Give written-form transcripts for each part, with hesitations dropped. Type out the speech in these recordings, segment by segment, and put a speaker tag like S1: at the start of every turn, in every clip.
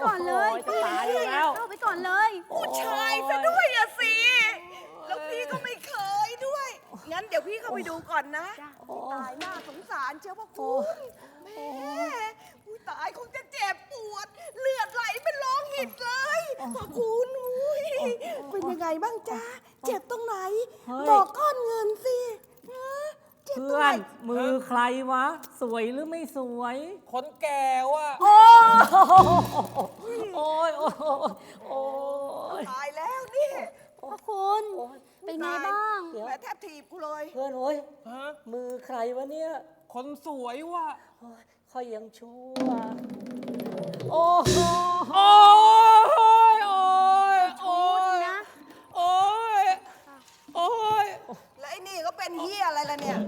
S1: ก่อนเลย
S2: จะตายอยู่แล้ว
S1: เข้าไปก่อนเลย
S3: ผู้ชายซะด้วยอะสิ แล้วพี่ก็ไม่เคยด้วย งั้นเดี๋ยวพี่เข้าไปดูก่อนนะ
S1: จ้ะ
S3: ตายน่าสงสารเจ้าพระคุณแม่อุ้ยตายคงจะเจ็บปวด เลือดไหลเป็นโลหิตเลยพระคุณอุ้ยเป็นยังไงบ้างจ๊ะ เจ็บตรงไหน
S2: เฮ้ย
S3: บอกก้อนเงินสิฮะเจ็บตรง
S2: เพื่อ
S3: ไหน
S2: นมือใครวะ สวยหรือไม่สวย
S4: คนแก่ว่ะ
S2: โอ้ยโอ้ยโอ้ยโอ้ย
S3: ตายแล้วนี่
S1: พระคุณเป็นไงบ้าง
S3: แม่แทบถีบกูเลย
S2: เพื่อนโอ้ย
S4: ฮะ
S2: มือใครวะเนี่ย
S4: คนสวยว่ะ
S2: โอ้ยค่อยยังชั่วโอ้โห
S4: โอ้ยโอ้ยโอ้ย
S1: นะ
S4: โอ้ยโอ้ย
S3: แล้วไอ้นี่ก็เป็นเฮียอะไรล่ะเนี่ย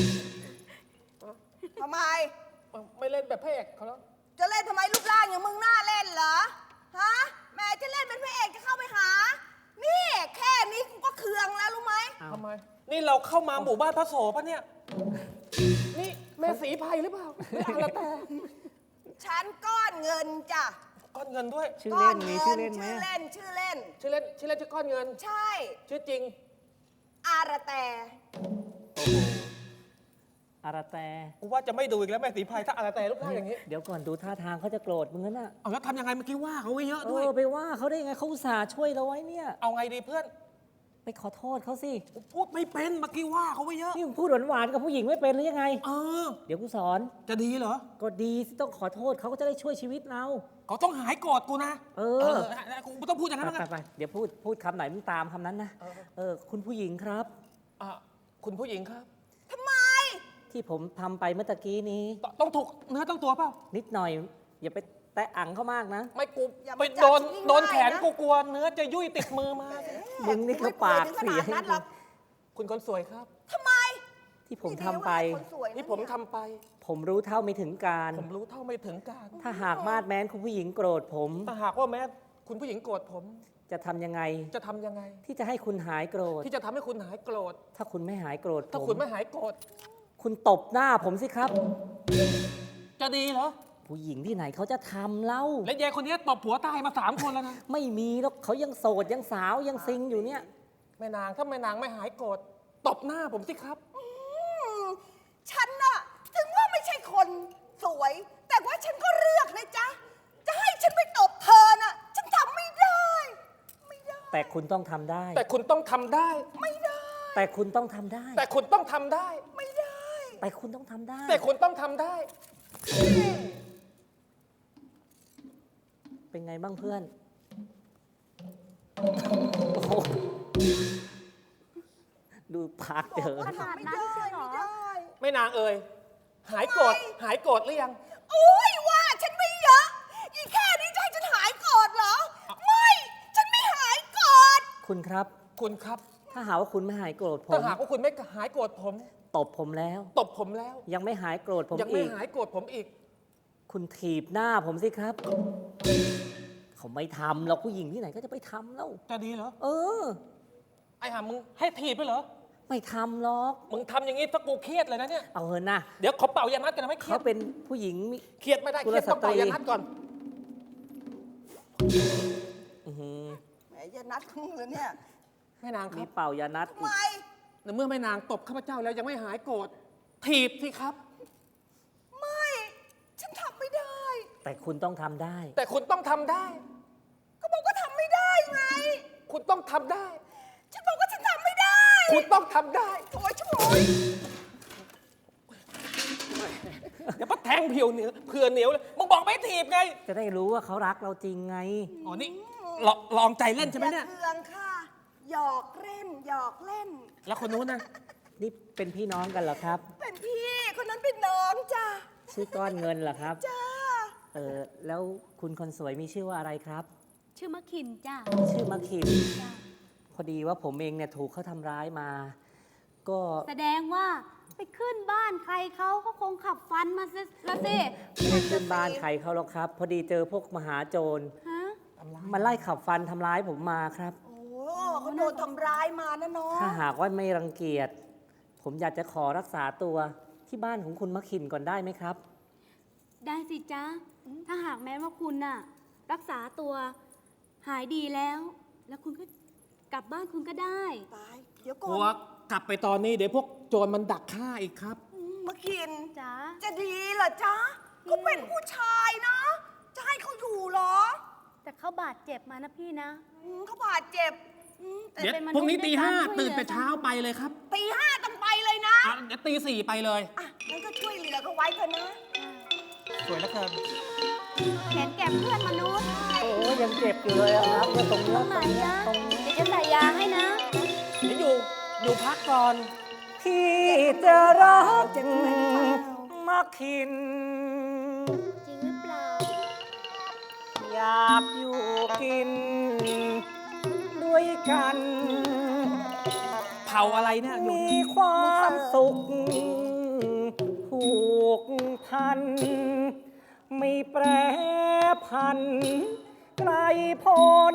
S3: ทำไม
S4: ไม่เล่นแบบพระเอกเขาแล้ว
S3: จะเล่นทำไมรูปร่างอย่างมึงน่าเล่นเหรอ ฮะ แม่จะเล่นเป็นพระเอกจะเข้าไปหา นี่แค่นี้กูก็เคืองแล้วรู้ไหม
S4: ทำไม นี่เราเข้ามาหมู่บ้านพระโสปะเนี่ย นี่แม่สีไพรหรือเปล่าไม่เอาละแต่
S3: ฉันก้อนเงินจ้ะ
S4: ก้อนเงินด้วย
S2: ชื่อ
S3: ก้อ
S2: เล่น
S3: น
S2: มี
S3: เงิ
S2: ชื่อเล่นไหม
S3: ชื่อเล่น ชื่อเล่น
S4: ชื่อเล่นชื่อก้อนเงิน
S3: ใช่
S4: ชื่อจริง
S3: อาระแต
S2: อาราแต
S4: กูว่าจะไม่ดูอีกแล้วแม่สีไพรถ้าอะไรแต่รูปร่างอย่างนี้
S2: เดี๋ยวก่อนดูท่าทางเขาจะโกรธมึงนั่นน่ะ
S4: เอาแล้วทำยังไงเมื่อกี้ว่าเขาไว้เยอะ
S2: เอ
S4: ด้วย
S2: อไปว่าเขาได้ยังไงเขาอุตส่าห์ช่วยเราไว้เนี่ย
S4: เอาไงดีเพื่อน
S2: ไปขอโทษเขาสิ
S4: กูพูดไม่เป็นเมื่อกี้ว่าเขาไว้เยอะ
S2: นี่มึงพูดหวานๆกับผู้หญิงไม่เป็นหรือยังไง
S4: เออ
S2: เดี๋ยวกูสอน
S4: จะดีเหรอ
S2: ก็ดีสิต้องขอโทษเขาก็จะได้ช่วยชีวิตเรา
S4: เขาต้องหายโกรธกูนะ
S2: เอ
S4: เอ
S2: อ
S4: อกูไม่ต้องพูดอย่างนั้น
S2: ไป
S4: นะ
S2: ไปเดี๋ยวพูดคำไหนมึงตามคำนั้นนะ คุณผู้หญิงครับ
S4: อ่ะคุณผู้หญิงครับ
S3: ทำไม
S2: ที่ผมทำไปเมื่อตะกี้นี้
S4: ต้องถูกเนื้อต้องตัวเปล่า
S2: นิดหน่อย อย่าไปแตะอังเขามากนะ
S4: ไม่กู
S3: อย่ามา
S4: ไป
S3: จับ
S4: โดน
S3: ฉันง่ายๆ
S4: โดนแขน
S3: นะ
S4: กูกลัวเนื้อจะยุ่ยติดมือมา
S2: มึงนี่ก็ปากเสีย
S3: ไม่ป่วถึงขนาดนั้นหรอก
S4: คุณคนสวยครับ
S3: ทำไม
S2: ที่ผมทำไป
S3: นี่ดีว่าคนสวยะ
S4: ที่ผม
S3: เนี่ย
S4: ทำไป
S2: ผมรู้เท่าไม่ถึงการ
S4: ผมรู้เท่าไม่ถึงการ
S2: ถ้าหากมาดแม้นคุณผู้หญิงโกรธผม
S4: แต่หากว่าแม้คุณผู้หญิงโกรธผม
S2: จะทำยังไง
S4: จะทำยังไง
S2: ที่จะให้คุณหายโกรธ
S4: ที่จะทำให้คุณหายโกรธ
S2: ถ้าคุณไม่หายโกรธ
S4: ถ้า
S2: ผม
S4: คุณไม่หายโกรธ
S2: คุณตบหน้าผมสิครับ
S4: จะดีเหรอ
S2: ผู้หญิงที่ไหนเขาจะทำเล่า
S4: และยายคนนี้ตบผัวตายมา3 คนแล้วนะ
S2: ไม่มีหรอกเขายังโสดยังสาวยังซิงอยู่เนี่ย
S4: แม่นางถ้าแม่นางไม่หายโกรธตบหน้าผมสิครับ
S3: ฉันน่ะ ถึงว่าไม่ใช่คนสวย แต่ว่าฉันก็เลือกนะจ๊ะ จะให้ฉันไปตบเธอน่ะ ฉันทำไม่ได้ ไม่ได้
S2: แต่คุณต้องทำได้
S4: แต่คุณต้องทำได้
S3: ไม่ได้
S2: แต่คุณต้องทำได้
S4: แต่คุณต้องทำได้
S3: ไม่ได้
S2: แต่คุณต้องทำได้
S4: แต่คุณต้องทำได้
S2: เป็นไงบ้างเพื่อนโอ้โหดูปากเจอ
S3: บอกว่าทำไม่ได้ไม่ได้
S4: แม่นางเอ่ยหายโกรธหายโกรธหรือยัง
S3: โอ้ยว่าฉันไม่เยอะ อีแค่นี้จะให้ฉันหายโกรธเหรอ ไม่ ฉันไม่หายโกรธ
S2: คุณครับ
S4: คุณครับ
S2: ถ้าหากว่าคุณไม่หายโกรธผ
S4: ถ้าม หากว่าคุณไม่หายโกรธผม
S2: ตบผมแล้ว
S4: ตบผมแล้ว
S2: ยังไม่หายโกรธผม
S4: ยังไม่
S2: อีก
S4: หายโกรธผมอีก
S2: คุณถีบหน้าผมสิครับ เขาไม่ทำหรอกผู้หญิงที่ไหนก็จะไปทำแล้ว
S4: จะดีเหรอ
S2: เออ
S4: ไอ้ห่ามึงให้ถีบไปเหรอ
S2: ไม่ทำหรอก
S4: มึงทำอย่างนี้ถ้ากูเครียดเลยนะเนี่ย
S2: เอาเถอะนะ
S4: เดี๋ยวขอเป่ายานัดกันนะไม่เครีย
S2: เขา
S4: ด
S2: เป็นผู้หญิงมี
S4: เครียดไม่ได้
S2: กุ
S4: เค
S2: ล
S4: รียดต้องเป่า
S2: สตรี
S4: ยานัดก่อน
S2: อื้อหือ
S3: แหมอย่านัดของมือเนี่ย
S4: แม่นางค
S2: มี
S4: รับ
S2: เป่ายานัด
S3: ทำ
S2: อี
S3: ไม
S2: ก
S4: ในเมื่อแม่นางตบข้าพเจ้าแล้วยังไม่หายโกรธถีบสิครับ
S3: ไม่ ฉันทำไม่ได้
S2: แต่คุณต้องทำได้
S4: แต่คุณต้องทำได้
S3: ก็บอกว่าทำไม่ได้ไง
S4: คุณต้องทำได้
S3: ฉันบอกว่าฉันทำไม่ได้
S4: คุณต้องทำได้
S3: โอ้ยช่วย
S4: เดี๋ยวป้าแทงเผื่อเหนียวเผื่อเหนียวเลยมึงบอกไม่ถีบไง
S2: จะได้รู้ว่าเขารักเราจริงไง
S4: อ๋อนี่ลองใจเล่นใช่ไหมเนี่ย
S3: อาเคืองค่ะ หยอกเล่น หยอกเล่น
S4: แล้วคนนู้นนะ
S2: นี่เป็นพี่น้องกันเหรอครับ
S3: เป็นพี่ คนนั้นเป็นน้องจ้า
S2: ชื่อก้อนเงินเหรอครับ
S3: จ้า
S2: แล้วคุณคนสวยมีชื่อว่าอะไรครับ
S1: ชื่อมะขินจ้ะ
S2: ชื่อมะขิม
S1: จ้ะ
S2: พอดีว่าผมเองเนี่ยถูกเขาทำร้ายมา ก็
S1: แสดงว่าไปขึ้นบ้านใครเขาคงขับฟันมาสิละสิ
S2: ไม่ได้ขึ้นบ้านใครเขาหรอกครับ พอดีเจอพวกมหาโจร
S1: ฮะ
S2: มันไล่ขับฟันทำร้ายผมมาครับ
S3: โอ้เขาโดนทำร้ายมานะน้อง
S2: ถ้าหากว่าไม่รังเกียจ ผมอยากจะขอรักษาตัวที่บ้านของคุณมะขินก่อนได้ไหมครับ
S1: ได้สิจ๊ะ ถ้าหากแม้ว่าคุณน่ะ ไปรักษาตัวหายดีแล้ว แล้วคุณก็กลับบ้านคุณก็ได้
S3: ตาย เดี๋ยว
S4: ก
S3: ก่
S4: ลั
S3: อ
S4: วน กลับไปตอนนี้เดี๋ยวพวกโจรมันดักฆ่าอีกครับ
S3: มากิน
S1: จ๋า
S3: จะดีเหรอจ๊ะเขาเป็นผู้ชายนะ จะให้เขาอยู่เหรอ
S1: แต่เขาบาดเจ็บมานะพี่นะ
S3: เขาบาดเจ็บ
S1: แต่
S4: เดี๋ยว
S1: เป็นมษ
S4: พรุ่งนี้
S1: ด้วย
S4: ตี
S1: กั
S4: ห้า
S1: ช่วย
S4: ตื่น
S1: หลือ
S4: แต่เช้าไปเลยครับ
S3: ตีห้าต้องไปเลยนะ
S4: อ่ะเดี๋ยวตีสี่ไปเลย
S3: อ่ะงั้นก็ช่วยเหลือเขาไว้เถอะนะ
S4: สวยเหลือเกิน
S1: เห็นแก่เพื่อนมนุษย์
S2: โอ้ยังเจ็บอยู่เลยอะครับเนี่ยตรงเนี้
S1: ต
S2: ย
S1: รงไหนนะ
S2: ตรงนี้
S1: เดี๋ยวจะใส่ยาให้นะ
S4: เดี๋ยวอยู่พักก่อน
S2: ที่จะรักมาคิน
S1: จริงหรือเปล่า
S2: อยากอยู่กิน ด้วยกัน
S4: เผาอะไรเนี่ยอยู่
S2: มีความสุขผูกพัน ไม่แปรพัน ไกลพ้น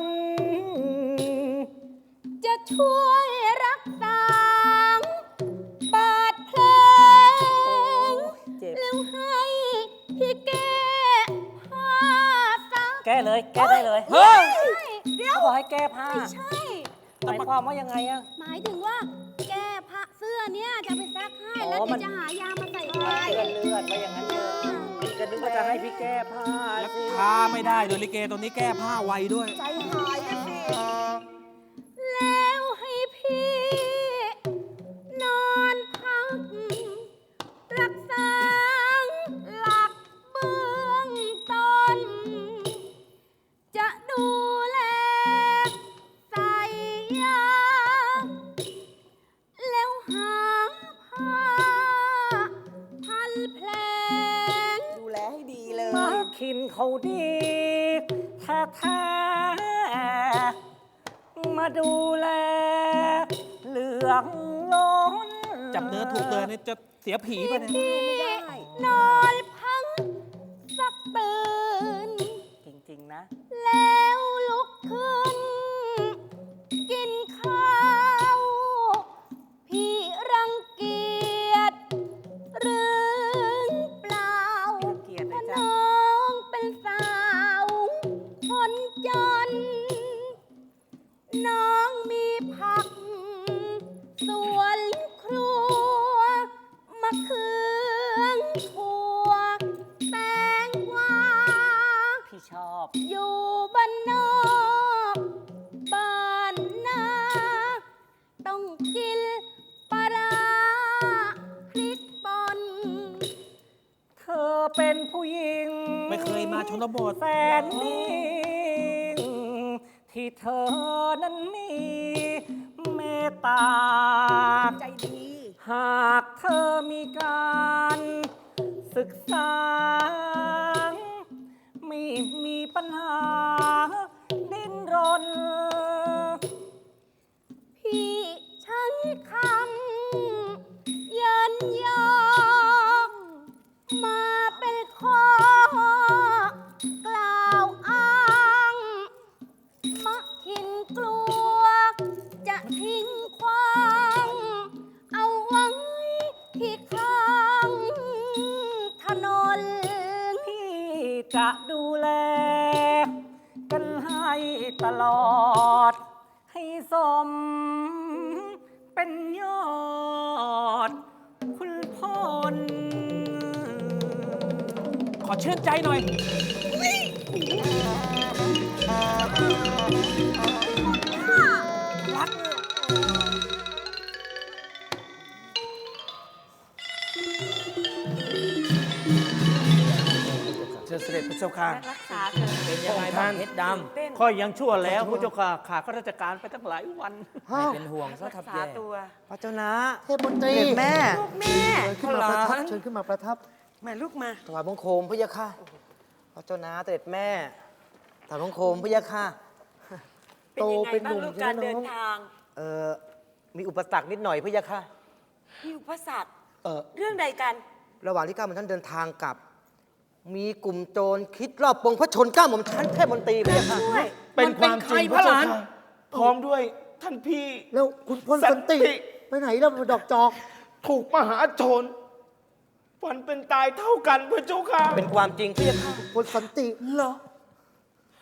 S1: จะช่วยรักษาบาดแผล
S2: เจ็บ
S1: แล้วให้พี่แก้ผ้าซัก
S2: แก้เลย แก้ได้เลย
S4: เฮ้ย
S1: เดี๋ยว
S2: เขาบอกให้แก้ผ้า
S1: ไม่ใช่
S2: หมายความว่ายังไงอะ
S1: หมายถึงว่า แก้ผ้าเสื้อเนี่ยจะไปซักให้
S2: อ๋อ
S1: แล้ว
S2: มั
S1: เดี๋ย
S2: น
S1: วจะหายามาใส่
S2: มัน
S1: ให้
S2: เปื้อนเลือดไปอย่างนั้นเลยพี่ก็นึกว่าจะให้พี่แก้ผ้า
S4: แล้ว
S2: สิ
S4: ผ้าไม่ได้โดยลิเกตัวนี้แก้ผ้าไวด้วย
S3: ใจหายนะสิ
S1: แล้วให้พี่นอนพัก รักษาหลักเบื้องต้น จะดูแลใส่ยา แล้วหาผ้าพันแผลง
S3: ดูแลให้ดีเลย
S2: มาคินเขาดีแท้ๆมาดูแลเหลืองล้น
S4: จับเนื้อถูกเลยนี่จะเสียผีป่ะเนี่ย
S1: พี่นอนพังสักตื่น
S2: จริง ๆ นะ
S1: แล้วลุกขึ้น กินข้าว พี่รังเกียจหรือเปล่า
S2: ไม่รังเกียจเลยจ้ะ
S1: น้องเป็นสาวคนจน น้องมีผัก สวนครัวมะเขือถั่วแตงกวา
S2: พี่ชอบ
S1: อยู่บ้านนอกบ้านนาต้องกินปลาร้าพริกป่น
S2: เธอเป็นผู้หญิง
S4: ไม่เคยมาชนบท
S2: แสนนิ่งที่เธอนั้นมีเมตตา
S3: ใจดี
S2: หากเธอมีการศึกษา ไม่มีปัญหา ดิ้นรน
S1: พี่ใช้คำเยินยอ มาเป็นข้อกล่าวอ้างมะขินกลัว จะทิ้งควางเอาไว้ที่ข้างถนน
S2: พี่จะดูแล กันให้ตลอด ให้สม เป็นยอด คุณพล
S4: ขอชื่นใจหน่อย
S3: รัก
S5: เชิญเสด็จพระเจ้าค่ะ
S1: รักษาเธอ
S5: เป็นยังไงบ้างเพชรดำค่อยยังชั่วแล้วพระเจ้าค่ะขาข้าราชการไปตั้งหลายวัน
S2: ไม่เป็นห่วงซะทับแย่
S5: พระเจ้านะ
S6: เทพมนตรี
S5: เสด็จแม่
S3: ลูกแม่
S6: เชิญขึ้นมาประทับ
S5: หลาน
S6: เชิญขึ้นมาประทับ
S3: มาลูกมา
S5: ถวายบังคมพระยาค่ะพระเจ้านะเสด็จแม่ถวายบังคมพระยาค่ะ
S6: โตเป็นหนุ่ม
S7: ลูก
S6: ใช่
S7: การ
S6: ไหม
S7: เดิ
S6: น้
S7: น
S6: อง
S7: ทาง
S5: มีอุปสรรคนิดหน่อยพระยาค่ะ
S7: มีอุปสรรค
S5: เออ
S7: เรื่องใดกัน
S5: ระหว่างที่ข้าพเจ้าเดินทางกลับ มีกลุ่มโจรคิดรอบปงพระชนเก้าหม่อมชั้นเทพมนตรีพระยาค่ะ
S7: ด้วย
S6: เป็นความจริง
S4: พระหลาน
S6: เจ้าค่ะ
S4: พร้อมด้วยท่านพี่
S6: แล้วคุณพลสันติ
S4: สันติ
S6: ไปไหนแล้วดอกจอก
S4: ถูกมหาโจรฝันเป็นตายเท่ากันพระเจ้าค่ะ
S5: เป็นความจริงพระยาค่ะ
S6: พลสันติ
S4: เหรอ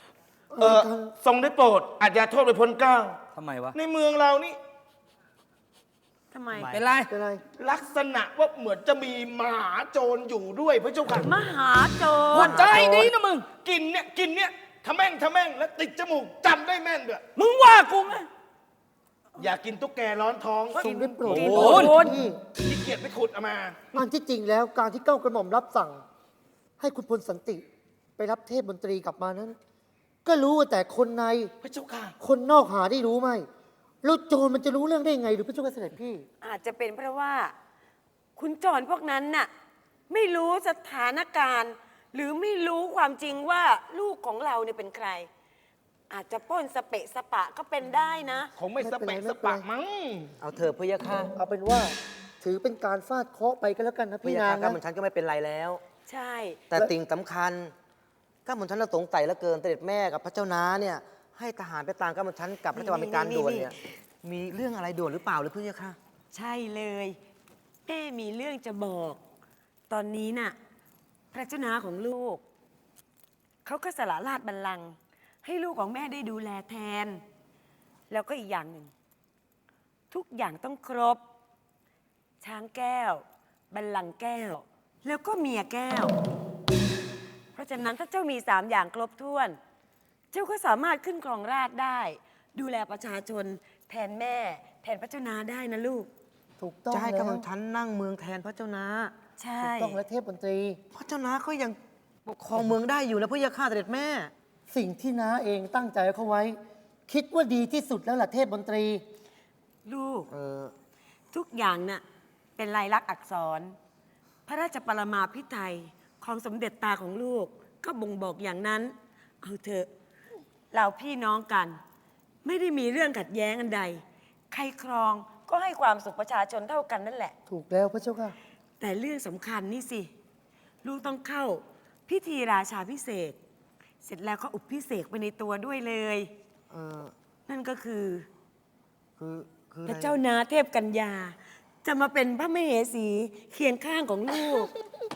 S8: ทรงได้โปรดอาจอย่าโทษไปพ้นเกล้า
S2: ทำไมวะ
S8: ในเมืองเรานี่
S1: ทำไม
S2: เป็นไร
S6: เป็นไร
S8: ลักษณะว่าเหมือนจะมีมหาโจรอยู่ด้วยพระเจ้าค่ะ
S1: มหาโจ
S2: หัว
S1: ร
S2: ใจดีนะมึง
S8: กินเนี่ยทะแม่งแล้วติดจมูกจำได้แม่นด้วย
S2: มึงว่ากูไหม
S8: อย่ากินตุ๊กแกร้อนท้อง
S6: ทรงได้โปรด
S2: โอ้ย
S6: พี่
S8: ขี้เกียจไปขุดเอามา
S6: อันที่จริงแล้วการที่เก้ากระหม่อมรับสั่ง ให้คุณพลสันติไปรับเทพมนตรีกลับมานั้น ก็รู้ว่าแต่คนใน
S8: พระเจ้าค่ะ
S6: คนนอกหาได้รู้ไหมแล้วโจรมันจะรู้เรื่องได้ไงหรือพระเจ้าค่ะเสด็จพี่
S7: อาจจะเป็นเพราะว่า คุณโจรพวกนั้นน่ะไม่รู้สถานการณ์ หรือไม่รู้ความจริงว่าลูกของเราเนี่ยเป็นใคร อาจจะปล้นสเปะสปะก็เป็นได้นะ
S8: คงไม่สเปะสปะมั้ง
S5: เอาเถอะพะยะค่ะ
S6: เอาเป็นว่าถือเป็นการฟาดเคราะห์ไปก็แล้วกันนะ
S5: พะ
S6: พี่
S5: ยะ
S6: นา
S5: ค่ะ
S6: ง
S5: ก้า
S6: นะ
S5: หม่อมฉันก็ไม่เป็นไรแล้ว
S7: ใช่
S5: แต่สิ่งสำคัญก้าหม่อมฉันน่ะสงสัยเหลือเกินเสด็จแม่กับพระเจ้าน้าเนี่ยให้ทหารไปตามก้าหม่อมฉันกลับพระราชวังเป็นการด่วนเนี่ยมีเรื่องอะไรด่วนหรือเปล่าหรือพะยะค่ะ
S7: ใช่เลยแม่มีเรื่องจะบอก ตอนนี้น่ะ พระเจ้านาของลูก เขาก็สละราชบัลลังก์ให้ลูกของแม่ได้ดูแลแทน แล้วก็อีกอย่างหนึ่ง ทุกอย่างต้องครบ ช้างแก้ว บัลลังก์แก้ว แล้วก็เมียแก้ว เพราะฉะนั้นถ้าเจ้ามี3 อย่างครบถ้วน เจ้าก็สามารถขึ้นครองราชย์ได้ ดูแลประชาชนแทนแม่ แทนพระเจ้านาได้นะลูก
S6: ถูกต้อง
S5: จะให้
S6: แล้
S5: ก้าว หม่อมฉันนั่งเมืองแทนพระเจ้าน้า
S7: ใช่
S6: ถูกต้องและเทพมนตรี
S5: พระเจ้าน้าก็ยังปกครองเมืองได้อยู่นะพะยะค่ะเสด็จแม่
S6: สิ่งที่น้าเองตั้งใจเขาไว้ คิดว่าดีที่สุดแล้วล่ะเทพมนตรี
S7: ลูก
S5: เออ
S7: ทุกอย่างน่ะเป็นลายลักษณ์อักษร พระราชปรมาภิไธยของสมเด็จตาของลูก ก็บ่งบอกอย่างนั้น เอาเถอะ เราพี่น้องกัน ไม่ได้มีเรื่องขัดแย้งอันใด ใครครองก็ให้ความสุขประชาชนเท่ากันนั่นแหละ
S6: ถูกแล้วพระเจ้าค่ะ
S7: แต่เรื่องสำคัญนี่สิ ลูกต้องเข้าพิธีราชาพิเศษกเสร็จแล้วก็อุปพิเศษกไปในตัวด้วยเลย
S5: เออ
S7: นั่นก็คือ
S5: คืออ
S7: พ
S5: ไร
S7: ระเจ้านาเทพกัญญา จะมาเป็นพระมเหสีเคียงข้างของลูก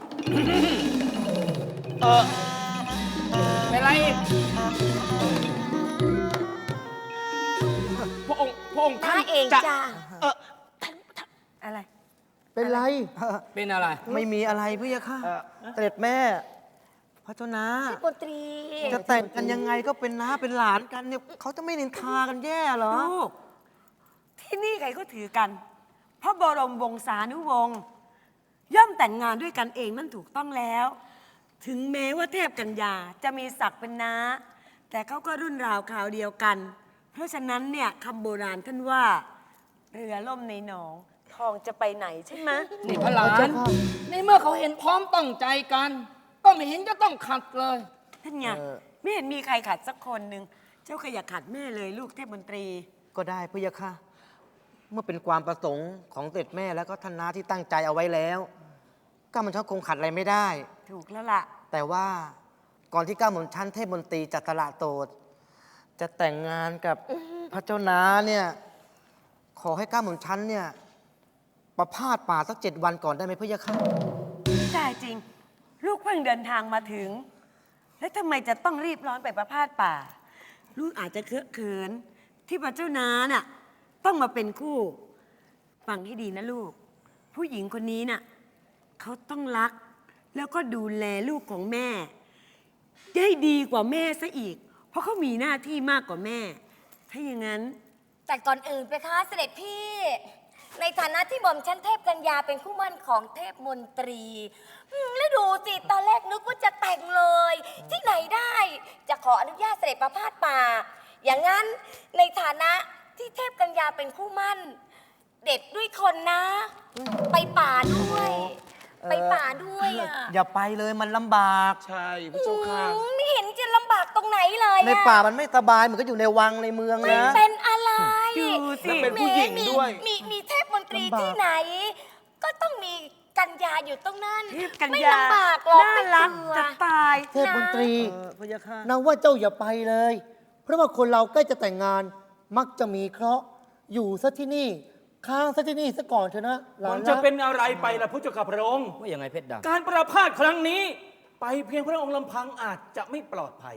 S2: เป็นไรอีก
S8: พระองค์ท่าน
S7: เอง
S8: จะ
S7: จ้า
S8: เออ
S7: อะไร
S6: เป็นไร
S2: เป็นอะไร
S5: ไม่มีอะไรพะยะค่ะเสด็จแม่ พระเจ้าน้า
S7: มนตรี
S5: จะแต่งกันยังไงก็เป็นน้าเป็นหลานกันเนี่ยเขาจะไม่นินทากันแย่เหรอ
S7: ลูก ที่นี่ใครก็ถือกัน พระบรมวงศานุวงศ์ย่อมแต่งงานด้วยกันเองนั่นถูกต้องแล้ว ถึงแม้ว่าเทพกัญญาจะมีศักดิ์เป็นน้า แต่เขาก็รุ่นราวคราวเดียวกัน เพราะฉะนั้นเนี่ยคำโบราณท่านว่า เรือล่มในหนอง ทองจะไปไหนใช่ไหม
S2: นี่พระหลา
S6: พระ
S2: น
S6: เจ้าค่ะ
S2: ในเมื่อเขาเห็นพร้อมตั้งใจกัน ก็ไม่เห็นจะต้องขัดเลย
S7: ท่านไง
S5: เออ
S7: ไม่เห็นมีใครขัดสักคนหนึ่งเจ้าก็อย่าขัดแม่เลยลูกเทพมนตรี
S5: ก็ได้พะยะค่ะ เมื่อเป็นความประสงค์ของเสด็จแม่แล้วก็ท่านน้าที่ตั้งใจเอาไว้แล้วก้าวหม่อมชันคงขัดอะไรไม่ได้
S7: ถูกแล้วล่ะ
S5: แต่ว่าก่อนที่ก้าวหม่อมชันเทพมนตรีจัตระโตดจะแต่งงานกับพระเจ้าน้าเนี่ยขอให้ก้าวหม่อมชันเนี่ยประพาสป่าสัก7 วันก่อนได้ไหมพะยะค่ะ
S7: ได้จริง ลูกเพิ่งเดินทางมาถึง แล้วทำไมจะต้องรีบร้อนไปประพาสป่า ลูกอาจจะเคอะเขิน ที่พระเจ้านาน่ะต้องมาเป็นคู่ ฟังให้ดีนะลูก ผู้หญิงคนนี้น่ะเขาต้องรัก แล้วก็ดูแลลูกของแม่ ได้ดีกว่าแม่ซะอีก เพราะเขามีหน้าที่มากกว่าแม่ ถ้าอย่างนั้น
S9: แต่ก่อนอื่นไปคะเสด็จพี่ ในฐานะที่หม่อมชั้นเทพกัญญาเป็นคู่หมั่นของเทพมนตรีแล้วดูสิตอนแรกนึกว่าจะแต่งเลย ที่ไหนได้ จะขออนุญาตเสด็จประพาสป่า อย่างนั้นในฐานะที่เทพกัญญาเป็นคู่หมั่น เด็ดด้วยคนนะ ไปป่าด้วย ไปป่าด้วยอ่ะ
S5: อย่าไปเลยมันลำบาก
S8: ใช่พระเจ้าค่ะ
S9: ไม่เห็นจะลำบากตรงไหนเลยอะ
S5: ในป่ามันไม่สบายเหมือนก็อยู่ในวังในเมือง
S9: ไม่
S5: นะ
S9: เป็นอะไร
S7: ดูสิ
S8: แล้วเป็นผู้หญิงด้วย
S9: มีเทพมนตรีที่ไหน ก็ต้องมีกัญญาอยู่ตรงนั้น
S7: เทพกัญ
S9: ไม่
S7: ญา
S9: ลำบากหรอก
S7: น่า
S9: ไม่
S7: รัก
S9: เบื่อ
S7: จะตาย
S6: เทพมนตรี
S5: พะยะค่ะ
S6: นางว่าเจ้าอย่าไปเลย เพราะว่าคนเราใกล้จะแต่งงาน มักจะมีเคราะห์อยู่ซะที่นี่ ค้างซะที่นี่ซะก่อนเถอะนะหลา
S4: มัน น
S6: รั
S4: จะ
S6: ก
S4: เป็นอะไรไปล่ะพระเจ้าข้าพระองค์
S2: ว่ายังไงเพชรดา
S4: การประพาสครั้งนี้ ไปเพียงพระองค์ลำพังอาจจะไม่ปลอดภัย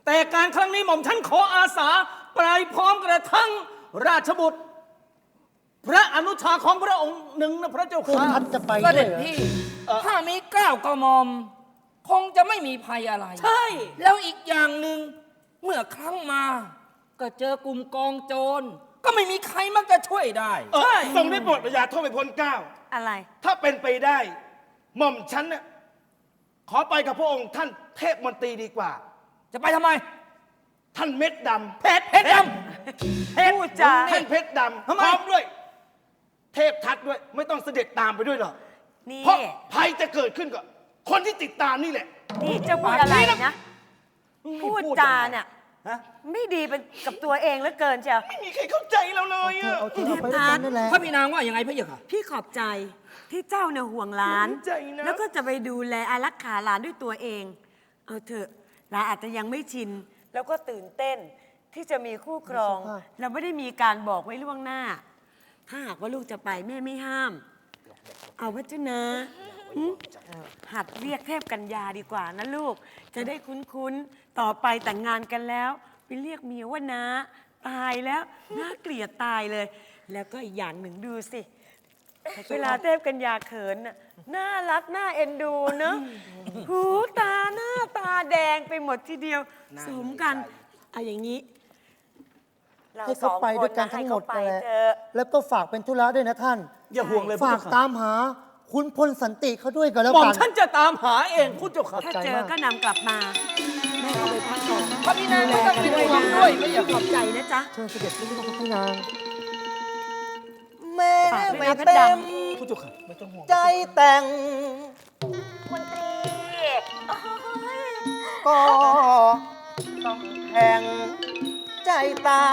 S2: แต่การครั้งนี้หม่อมฉันขออาสาไปพร้อมกระทั่งราชบุตร พระอนุชาของพระองค์หนึ่งนะพระเจ้า
S6: พวก
S2: ค่ะ
S6: ท่านจะไป
S10: เส
S6: ด้ว
S10: ด็
S6: ย
S10: จ
S6: เหรอ
S10: พี่ถ้ามีเกล้ากระหม่อม คงจะไม่มีภัยอะไร
S2: ใช่
S10: แล้วอีกอย่างหนึ่งเมื่อครั้งมา ก็เจอกลุ่มกองโจร ก็ไม่มีใครมักจะช่วยได้
S8: ทรงได้โปรดประยาโทษไปพ้นเกล้า
S7: อะไร
S8: ถ้าเป็นไปได้ หม่อมฉันน่ะขอไปกับพระองค์ท่านเทพมนตรีดีกว่า
S10: จะไปทำไม
S8: ท่านเม็ดดำ
S10: เพชรดำ
S7: พูดจา
S8: ท่านเพชรดำพร้อมด้วย เทพทัตด้วย ไม่ต้องเสด็จตามไปด้วยหรอก
S7: นี่
S8: เพราะภัยจะเกิดขึ้นกับคนที่ติดตามนี่แหละ
S7: นี่เจะพูดอะไรนะ พูดจาเนี่ยไม่ดีเป็นกับตัวเองเหลือเกินเชียว
S8: ไม่มีใครเข้าใจเราเลยอะ
S6: เอาที่เราไปด้วยกันนั่นแหละ
S10: พระพี่นางว่ายังไงพระเจ้าค่ะ
S7: พี่ขอบใจที่เจ้าเนี่ยห่วงหลาน
S8: ใจนะ
S7: แล้วก็จะไปดูแลอารักขาหลานด้วยตัวเอง เอาเถอะหลานอาจจะยังไม่ชิน แล้วก็ตื่นเต้นที่จะมีคู่ครอง เราไม่ได้มีการบอกไว้ล่วงหน้า ถ้าหากว่าลูกจะไปแม่ไม่ห้าม เอาพระเจ้านะหึหัดเรียกเทพกัญญาดีกว่านะลูก จะได้คุ้นๆ ต่อไปแต่งงานกันแล้วไปเรียกเมียว่าน้าตายแล้วน่าเกลียดตายเลย แล้วก็อีกอย่างหนึ่งดูสิ เวลาเทพกัญญาเขินน่ะน่ารักน่าเอ็นดูเนอะหูตาหน้าตาแดงไปหมดทีเดียว สมกันเอาอย่างนี้ เรา
S6: ให้
S7: ส
S6: เขา
S7: อง
S6: ไป
S7: ค
S6: ด้วย
S7: น
S6: กัน
S7: นะให้
S6: ทั้งหม
S7: เขา
S6: ด
S7: ไป
S6: นั่นแหละ
S7: เถอะ
S6: แล้วก็ฝากเป็นธุระด้วยนะท่าน
S2: อย่าห่วงเลย
S6: ฝากตามหาคุณพลสันติเขาด้วยก็แล้ว
S2: หม่อม
S6: กัน
S2: ฉันจะตามหาเองคุณเจ้าค่ะ
S7: ถ้าเจอก็นำกลับมาแม่เอาไปพักก่อน
S10: พระพี่นางไม่ต้องเป็นห่วงด้วยพระเจ้า
S7: ข
S10: ค่ะ
S7: อบใจนะจ๊ะ
S6: เชิญเสด็จไปที่พระพี่นาง
S5: แม่
S7: ฝากด้วย
S5: ไม่
S7: นะเพชร
S5: เต็
S7: ด
S5: ม
S2: คุณเจ้าค่ะไม่ต้องห่วง
S5: ใจแต่ง
S9: มนตรีโอ้ย
S5: ก็ต้องแข่งใจตาม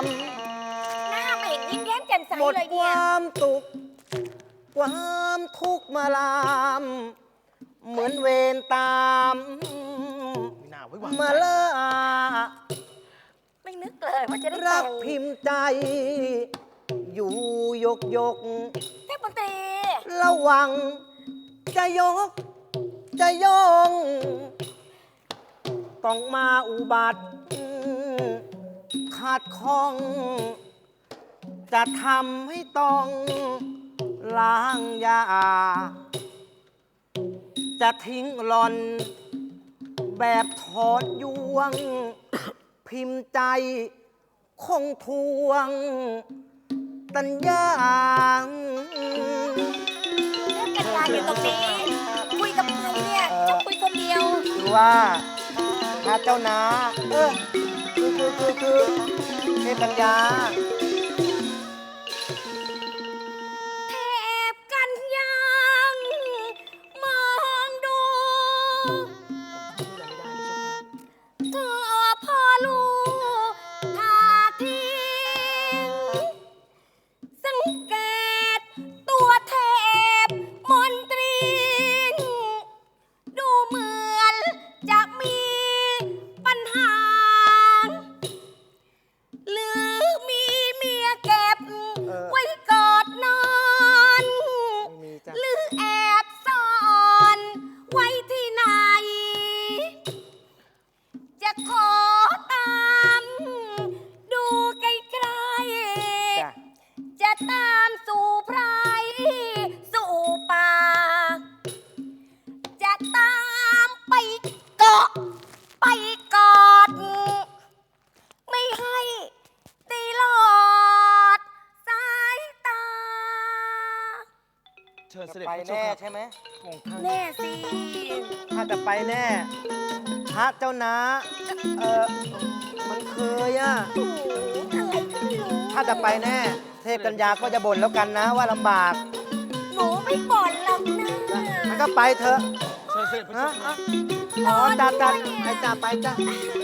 S9: หน้าไม่เห็นยิ้มแย้มแจ่มใส
S5: หมด
S9: เลย
S5: ค
S9: เนี่ยว
S5: ามตุกข์ความทุกข์มาลาม เหมือนเวรตามมาล่า
S9: ไม่นึกเลยว่าจะได้
S5: รั
S9: แต่
S5: ก
S9: ง
S5: พิมพ์ใจ อยู่ยก
S9: เทพมนตรี
S5: ระวังจะยกจะย่อง ต้องมาอุบัติขาดข้อง จะทำให้ต้องล้างยา จะทิ้งหลอน แบบถอดยวง พิมพ์ใจคงทวง ตัญญา
S9: เทพกัญญาอยู่ตรงนี้ คุยกับใครเนี่ยจะคุยคนเดียว
S5: คือว่าถ้าเจ้านาคือเทพปัญญา
S9: เทพกัญญามองดูเธอพอรู้ท่าทีสังเกตตัวเทพมนตรี ดูเหมือนจะมีปัญหา หรือมีเมียเก็บไว้กอดนอน
S5: ไม่มีจ้ะ
S9: หรือแอบซ่อนไว้ที่ไหน จะขอตามดูใกล้
S5: จ้ะ
S9: ๆจะตามสู่ไพรสู่ป่า จะตามไปเกาะไปกอด ไม่ให้ตีหลอดสายตา
S8: เชิญเสด็จ
S5: ไป
S8: พระเจ้า
S5: แน่
S8: ค่ะ
S5: ใช่ไหม
S9: แน่สิ
S5: ถ้าจะไปแน่พระเจ้านามันเคยอะ
S9: โอ้โหอะไรก็ไม่รู้
S5: ถ้าจะไปแน่ เทพกัญญาก็จะบ่นแล้วกันนะว่าลำบาก
S9: หนูไม่บ่นหรอกนะ
S5: มันก็ไปเถอะ
S8: เชิญเสด็จพระเจ้า
S5: นะ
S8: ค่ะ
S5: อ๋อจ้าจ้า
S9: ด้วยเนี่ย
S5: ไปจ้าไปจ้า
S9: เ